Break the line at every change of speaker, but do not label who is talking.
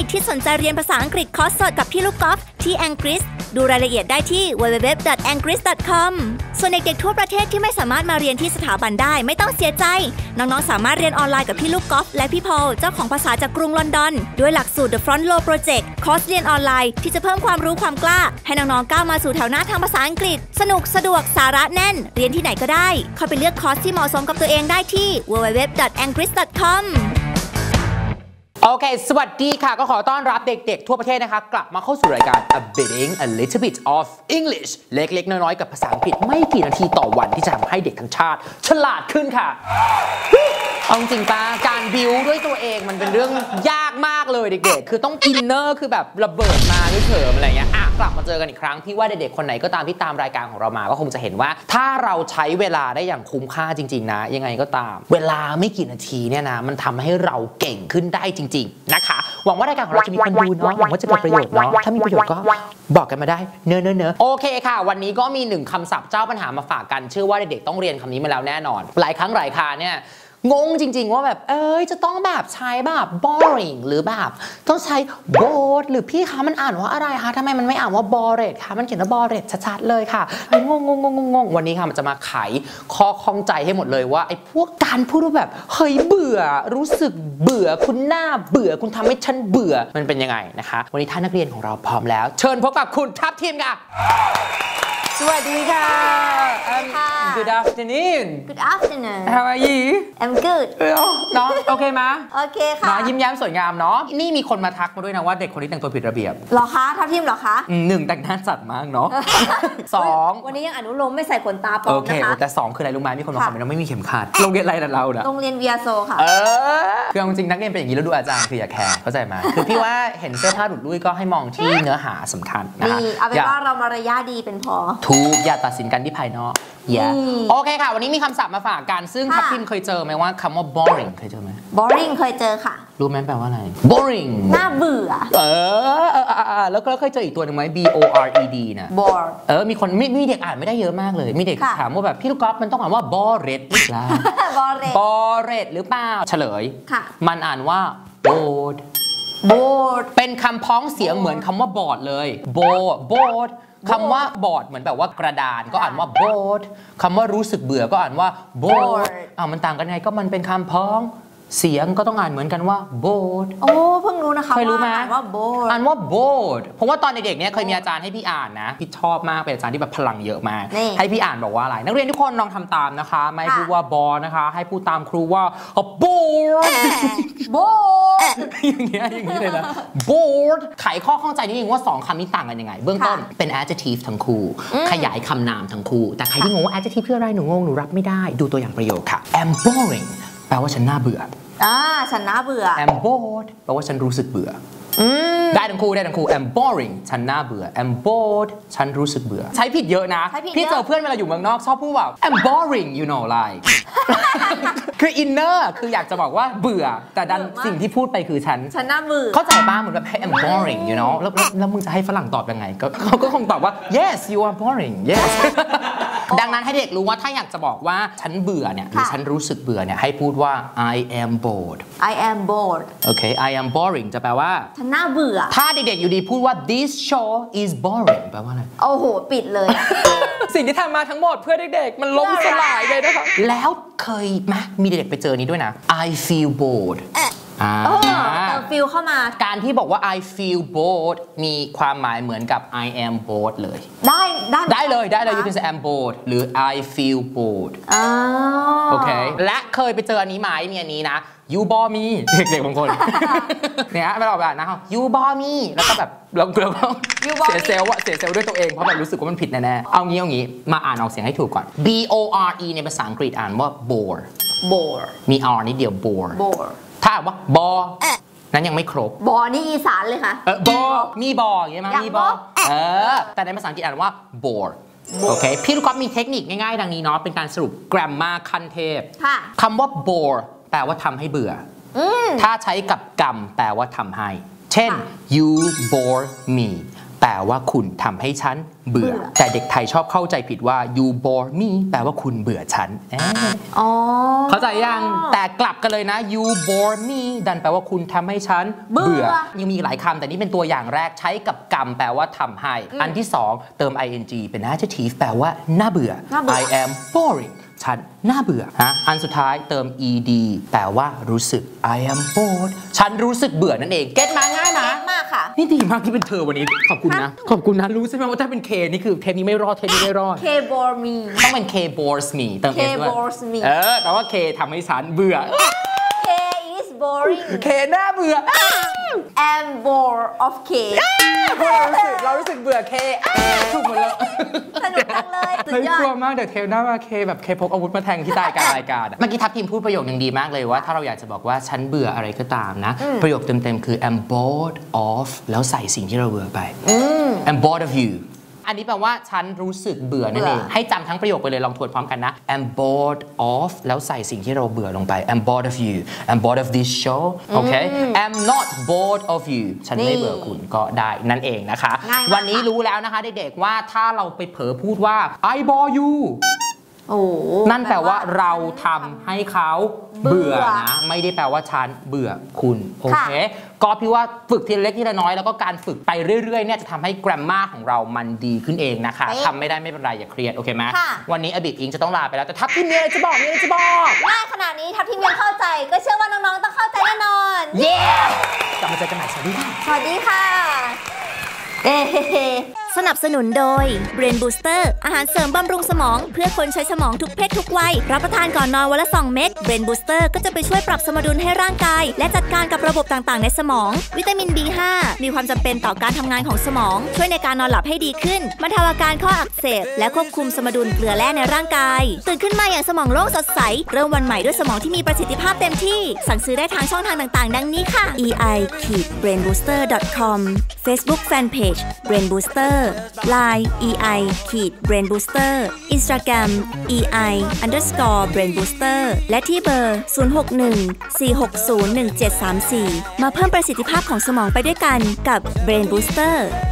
ที่สนใจเรียนภาษาอังกฤษคอร์สสดกับพี่ลูกกอล์ฟที่ Angris ดูรายละเอียดได้ที่ www.angris.com ส่วนเด็กๆทั่วประเทศที่ไม่สามารถมาเรียนที่สถาบันได้ไม่ต้องเสียใจน้องๆสามารถเรียนออนไลน์กับพี่ลูกกอล์ฟและพี่พอลเจ้าของภาษาจากกรุงลอนดอนด้วยหลักสูตร The Front Row Project คอร์สเรียนออนไลน์ที่จะเพิ่มความรู้ความกล้าให้น้องๆก้าวมาสู่แถวหน้าทางภาษาอังกฤษสนุกสะดวกสาระแน่นเรียนที่ไหนก็ได้เข้าไปเลือกคอร์สที่เหมาะสมกับตัวเองได้ที่ www.angris.com
โอเคสวัสดีค่ะก็ขอต้อนรับเด็กๆทั่วประเทศนะคะกลับมาเข้าสู่รายการ A Biting a Little Bit of English เล็กๆน้อยๆกับภาษาอังกฤษไม่กี่นาทีต่อวันที่จะทำให้เด็กทั้งชาติฉลาดขึ้นค่ะเอาจริงปะการบิวด้วยตัวเองมันเป็นเรื่องยากมากเลยเด็กๆคือต้องอินเนอร์คือแบบระเบิดมาด้วยเถิมอะไรเงี้ยกลับมาเจอกันอีกครั้งพี่ว่าเด็กๆคนไหนก็ตามที่ตามรายการของเรามาก็คงจะเห็นว่าถ้าเราใช้เวลาได้อย่างคุ้มค่าจริงๆนะยังไงก็ตามเวลาไม่กี่นาทีเนี่ยนะมันทำให้เราเก่งขึ้นได้จริงๆนะคะหวังว่ารายการของเราจะมีคนดูเนาะหวังว่าจะเกิดประโยชน์เนาะถ้ามีประโยชน์ก็บอกกันมาได้เนอะโอเคค่ะวันนี้ก็มี1คำศัพท์เจ้าปัญหามาฝากกันเชื่อว่าเด็กๆต้องเรียนคำนี้มาแล้วแน่นอนหลายครั้งหลายคราเนี่ยงงจริงๆว่าแบบจะต้องแบบใช้แบบ boring หรือแบบต้องใช้ bored หรือพี่คะมันอ่านว่าอะไรคะทำไมมันไม่อ่านว่า bored คะมันเขียนว่า bored ชัดๆเลยค่ะงงวันนี้ค่ะมันจะมาไขข้อข้องใจให้หมดเลยว่าไอ้พวกการพูดว่าแบบเฮ้ยเบื่อรู้สึกเบื่อคุณหน้าเบื่อคุณทำให้ฉันเบื่อมันเป็นยังไงนะคะวันนี้ท่านนักเรียนของเราพร้อมแล้วเชิญพบกับคุณทัพทีมค่ะสวัสดีค่ะ Good afternoon
Good afternoon
How are you
I'm good
น้องโอเคไหม
โอเคค่ะ
ยิ้มแย้มสวยงามเนาะนี่มีคนมาทักมาด้วยนะว่าเด็กคนนี้แต่งตัวผิดระเบียบ
หรอคะทัพทีมหรอคะ
1แต่งหน้าจัดมากเนาะ2
วันนี้ยังอนุโลมไม่ใส่ขนตาปลอมนะคะโอเค
แต่2คืออะไรรู้ไหมมีคนมาคอมเมนต์ว่าไม่มีเข็มขัดโรงเรียนอะไรแต่เราเนี่ย
โรงเรียนเวียโซค่ะ
คือจริงนักเรียนเป็นอย่างนี้แล้วดูอาจารย์คืออย่าแคร์เข้าใจไหมคือพี่ว่าเห็นเสื้อผ้าหลุดลุ่ยก็ให้มองที่เนื้อหาสำคัญนะคะ
เอาเป็นว่าเรามารยาทดีเป็นพอ
ถูกอย่าตัดสินกันที่ภายนอกโอเคค่ะวันนี้มีคำศัพท์มาฝากกันซึ่งทัพทิมเคยเจอไหมว่าคำว่า boring เคยเจอไหม
boring เคยเจอค่ะ
รู้ไหมแปลว่าอะไร boring
น่าเบื่อ
แล้วก็เคยเจออีกตัวหนึ่งไหม bored นะ
bored
มีคนมีเด็กอ่านไม่ได้เยอะมากเลยมีเด็กถามว่าแบบพี่ลูกกอล์ฟมันต้องอ่านว่า bored หรือเปล่า bored หรือเปล่าเฉลยมันอ่านว่า bored เป็นคำพ้องเสียงเหมือนคำว่าบอดเลย boredคำว่าบอร์ดเหมือนแบบว่ากระดานก็อ่านว่า bored คำว่ารู้สึกเบื่อก็อ่านว่า bored มันต่างกันไงก็มันเป็นคำพ้องเสียงก็ต้องอ่านเหมือนกันว่า bored
โอ้เพิ่งรู้นะคะเคยรู้ไหมอ่านว่า bored
อ่านว่า bored เพราะว่าตอนเด็กๆเนี่ยเคยมีอาจารย์ให้พี่อ่านนะพี่ชอบมากเป็นอาจารย์ที่แบบพลังเยอะมากให้พี่อ่านบอกว่าอะไรนักเรียนทุกคนลองทำตามนะคะไม่พูดว่า bored นะคะให้พูดตามครูว่า bored อย่างนี้เลยนะ bored ไขข้อข้องใจนิดนึงว่า2คำนี้ต่างกันยังไงเบื้องต้นเป็น adjective ทั้งคู่ขยายคำนามทั้งคู่แต่ใครที่งงว่า adjective คืออะไรหนูงงหนูรับไม่ได้ดูตัวอย่างประโยคค่ะ I'm boring แปลว่าฉันน่าเบื่อ
ฉันน่าเบื่อ
I'm bored แปลว่าฉันรู้สึกเบื่อได้ทั้งคู่I'm boring ฉันน่าเบื่อ I'm bored ฉันรู้สึกเบื่อใช้ผิดเยอะนะพี่เจอเพื่อนเวลาอยู่เมืองนอกชอบพูดว่า I'm boring you know like คืออินเนอร์คืออยากจะบอกว่าเบื่อแต่ดันสิ่งที่พูดไปคือฉัน
น่าเบื่อ
เข้าใจบ้างเหมือนแบบ I'm boring you know แล้วมึงจะให้ฝรั่งตอบยังไงเขาก็คงตอบว่า yes you are boring yes ดังนั้นให้เด็กรู้ว่าถ้าอยากจะบอกว่าฉันเบื่อเนี่ยหรือฉันรู้สึกเบื่อเนี่ยให้พูดว่า I am bored โอเค I am boring จะแปลว่า
ฉันน่าเบื่อ
ถ้าเด็กๆอยู่ดีพูดว่า this show is boring แปลว่าอะไร
โอ้โหปิดเลย
สิ่งที่ทำมาทั้งหมดเพื่อเด็กๆมันล้มสลายเลยนะคะแล้วเคยไหมมีเด็กๆไปเจอนี้ด้วยนะ I feel bored
feel เข้ามา
การที่บอกว่า I feel bored มีความหมายเหมือนกับ I am bored เลยได้เลย you can say I'm bored หรือ I feel bored โอเคและเคยไปเจออันนี้ไหมมีอันนี้นะ you bore me เด็กๆบางคนเนี่ยไม่บอกแบบนะ you bore me แล้วก็แบบเราเสียเซลล์ด้วยตัวเองเพราะแบบรู้สึกว่ามันผิดแน่ๆเอางี้มาอ่านออกเสียงให้ถูกก่อน B O R E ในภาษาอังกฤษอ่านว่า bore มี R นิดเดียว bore ถ้าว่าบอนั้นยังไม่ครบบ
อนี่อีสานเลยค่ะ
บอมีบออย่างเงี้ยมั้ยมีบอแต่ในภาษาอังกฤษอ่านว่า bore โอเคพี่ลูกก๊อฟมีเทคนิคง่ายๆดังนี้เนาะเป็นการสรุป grammar ขั้นเทพคำว่า bore แปลว่าทำให้เบื่อถ้าใช้กับกรรมแปลว่าทำให้เช่น you bore me แปลว่าคุณทำให้ฉันเบื่อแต่เด็กไทยชอบเข้าใจผิดว่า you bore me แปลว่าคุณเบื่อฉันเข้าใจยังแต่กลับกันเลยนะ you bore me ดันแปลว่าคุณทำให้ฉันเบื่อยังมีอีกหลายคำแต่นี่เป็นตัวอย่างแรกใช้กับกรรมแปลว่าทำให้อันที่2เติม ing เป็น adjective แปลว่าน่าเบื่อ I am boring ฉันน่าเบื่อฮะอันสุดท้ายเติม ed แปลว่ารู้สึก I am bored ฉันรู้สึกเบื่อนั่นเองเก็ตมาง่ายนะ
มากค่ะ
นี่ดีมากที่เป็นเธอวันนี้ขอบคุณนะขอบคุณนะรู้ใช่ไหมว่าถ้าเป็น K นี่คือเทปนี้ไม่รอดเทปนี้ไม่รอด
K bore me
ต้องเป็น K bores me เติม S ด้วย
K bores me
แปลว่า K ทำให้ฉันเบื่อ
K is boring
K น่าเบื่อ
I'm bored of K
เรารู้สึกเบื่อ K ถูกหมดแล้ว
สนุกจังเลยสุดยอด
กลัวมากเดี๋ยวเทปหน้ามา K แบบ K พกอาวุธมาแทงที่ใต้การรายการเมื่อกี้ทัพทีมพูดประโยคนึงดีมากเลยว่าถ้าเราอยากจะบอกว่าฉันเบื่ออะไรก็ตามนะประโยคเต็มๆคือ I'm bored of แล้วใส่สิ่งที่เราเบื่อไป I'm bored of you อันนี้แปลว่าฉันรู้สึกเบื่อนั่นเองให้จำทั้งประโยคไปเลยลองทวนพร้อมกันนะ I'm bored of แล้วใส่สิ่งที่เราเบื่อลงไป I'm bored of you I'm bored of this show โอเค I'm not bored of you ฉันไม่เบื่อคุณก็ได้นั่นเองนะคะวันนี้รู้แล้วนะคะเด็กๆว่าถ้าเราไปเผลอพูดว่า I bore youนั่นแปลว่าเราทำให้เขาเบื่อนะไม่ได้แปลว่าฉันเบื่อคุณโอเคก็พี่ว่าฝึกทีละเล็กทีละน้อยแล้วก็การฝึกไปเรื่อยๆเนี่ยจะทำให้ grammar ของเรามันดีขึ้นเองนะคะทำไม่ได้ไม่เป็นไรอย่าเครียดโอเคไหมวันนี้อบิดอิงจะต้องลาไปแล้วแต่ทัพทีมมีอะไรจะบอก
ง่ายขนาดนี้ทัพทีมยังเข้าใจก็เชื่อว่าน้องๆต้องเข้าใจแน่นอน
เย้กลับมาเจอกันใหม่สวัสดีค่ะ
สวัสดีค่ะสนับสนุนโดย Brain Booster อาหารเสริมบำรุงสมองเพื่อคนใช้สมองทุกเพศทุกวัยรับประทานก่อนนอนวันละ2 เม็ด Brain Booster ก็จะไปช่วยปรับสมดุลให้ร่างกายและจัดการกับระบบต่างๆในสมองวิตามิน B5 มีความจำเป็นต่อการทำงานของสมองช่วยในการนอนหลับให้ดีขึ้นบรรเทาอาการข้ออักเสบและควบคุมสมดุลเกลือแร่ในร่างกายตื่นขึ้นมาอย่างสมองโล่งสดใสเริ่มวันใหม่ด้วยสมองที่มีประสิทธิภาพเต็มที่สั่งซื้อได้ทางช่องทางต่างๆดังนี้ค่ะ ei-brainbooster.com Facebook Fanpage Brain Booster Line ei-brainbooster Instagram ei_brainbooster และที่เบอร์ 061-460-1734 มาเพิ่มประสิทธิภาพของสมองไปด้วยกันกับ Brain Booster